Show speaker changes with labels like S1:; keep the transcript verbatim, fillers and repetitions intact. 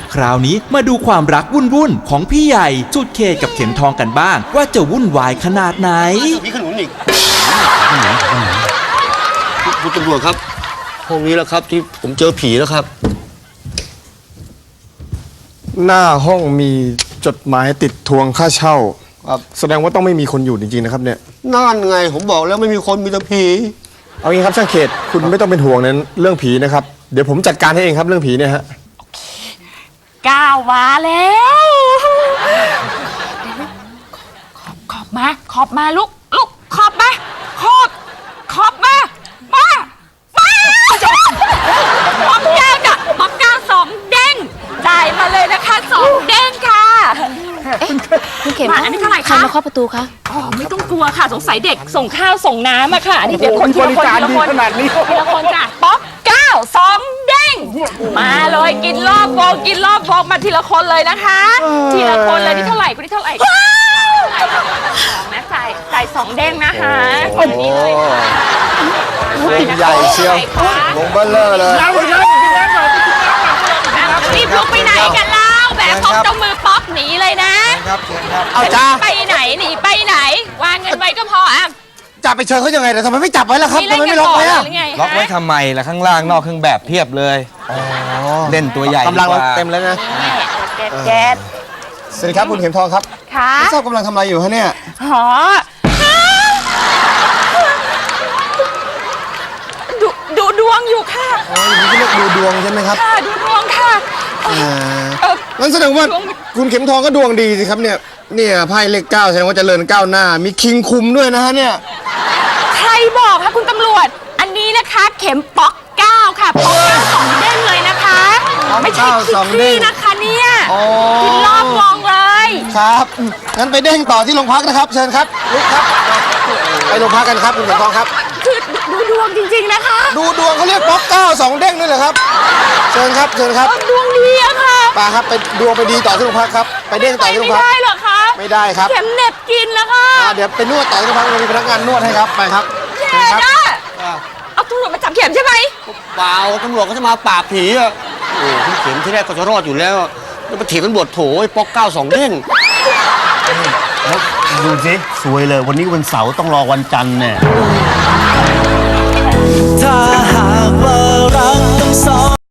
S1: คราวนี้มาดูความรักวุ่นๆของพี่ใหญ่สุดเขตกับเข็มทองกันบ้างว่าจะวุ่นวายขนาดไหน
S2: มีขนุนอีกคุณตำรวจครับห้องนี้แล้วครับที่ผมเจอผีแล้วครับ
S3: หน้าห้องมีจดหมายติดทวงค่าเช่าครับแสดงว่าต้องไม่มีคนอยู่จริงๆนะครับเนี่ย
S2: นั่นไงผมบอกแล้วไม่มีคนมีแต่ผี
S3: เอางี้ครับช่างเขตคุณไม่ต้องเป็นห่วงนั้นเรื่องผีนะครับเดี๋ยวผมจัดการให้เองครับเรื่องผีเนี่ยฮะ
S4: ก้าวมาแล้วขอบขอบมาขอบมาลูกลูกขอบมาขอบขอบมามามาป๊อกแก้วจ้ะป๊อกแก้วสองเด้งจ่ายมาเลยนะคะสองเด้งค่ะ
S5: คุณเข็ม
S4: อันนี้เท่าไหร่คะ
S5: ใครมาเคาะประตูคะ
S4: อ๋อไม่ต้องกลัวค่ะสงสัยเด็กส่งข้าวส่งน้ำอะค่ะนี่เดี๋ยวคนทีละคนทีละคนทีละคนจ้ะป๊อกเก้าสองเด้งมาเลยกินรอบวงกินรอบวงมาทีละคนเลยนะคะทีละคนเลยนี่เท่าไหร่คุณนี่เท่าไหร่สองนะจ่ายจ่ายสองเด้งนะคะคนนี้เลยค่ะ
S3: ใหญ่เชียววงเบลเลอร์เลย
S4: รีบลุกไปไหนกันเล่าแบบพกเจ้ามือป๊อกหนีเลยนะครับ
S3: เอาจ้า
S4: ไปไหนหนีไปไหนวางเงินไว้ก็พออ่ะ
S3: จับไปเชิญเขายังไงแต่ทำไมไม่จับไว้ล่ะครับทำไมไม่ล็อกไว้อะ
S6: ล็อกไว้ทำไมล่ะข้างล่างนอกเครื่องแบบเพียบเลยเล่นตัวใหญ่
S3: กำลังเต็มแล้วนะ
S4: แก๊สแก๊ส
S3: สวัสดีครับคุณเข็มทองครับ
S4: ค่ะ
S3: ไม่ทราบกำลังทำอะไรอยู่ฮะเนี่ย
S4: หอดูดูดวงอยู่ค่ะ
S3: อ๋อนี่เรียกดูดวงใช่ไหมครับ
S4: ค่ะดูดวงค่ะ
S3: อ่างั้นแสดงว่าคุณเข็มทองก็ดวงดีสิครับเนี่ยเนี่ยไพ่เลขเก้าแสดงว่าเจริญก้าวหน้ามีคิงคุมด้วยนะฮะเนี่ย
S4: ใครบอกคะคุณตำรวจอันนี้นะคะเข็มป๊อกเก้าค่ะป๊อกเก้าสองเด้งเลยนะคะไม่ใช่คิกซี่นะคะเนี่ยกินรอบวงเลย
S3: ครับงั้นไปเด้งต่อที่โรงพักนะครับเชิญครับลุกครับไปโรงพักกันครับคุณเข็มทองครับ
S4: คือดูดวงจริงๆนะคะ
S3: ดูดวงเขาเรียกป๊อกเก้าสองเด้งด้วยเหรอครับเชิญครับเชิญครับ
S4: ดวงดีอะค่ะ
S3: ป่าครับไปดวงไปดีต่อที่โรงพักครับไปเด้งต่อที่โรงพัก
S4: ไม่ได้หรอคะ
S3: ไม่ได้ครับ
S4: เข็มเน็บกินแล้วค่ะ
S3: เดี๋ยวไปนวดต่อที่โรงพักมีพนักงานนวดให้ครับไปครับ
S4: เจ๊นะเอาตำรวจมาจับเข็มใช่ไหม
S2: เปล่าตำรวจก็จะมาปราบผีอ่ะโอ้พี่เข็มที่แรกก็จะรอดอยู่แล้วแล้วมาถีบตำรวจโถไอ้ป๊อกเก้าสองเด้ง
S6: แล้วดูสิสวยเลยวันนี้วันเสาร์ต้องรอวันจันทร์เนี่ยถ้าหากว่ารักต้องสอง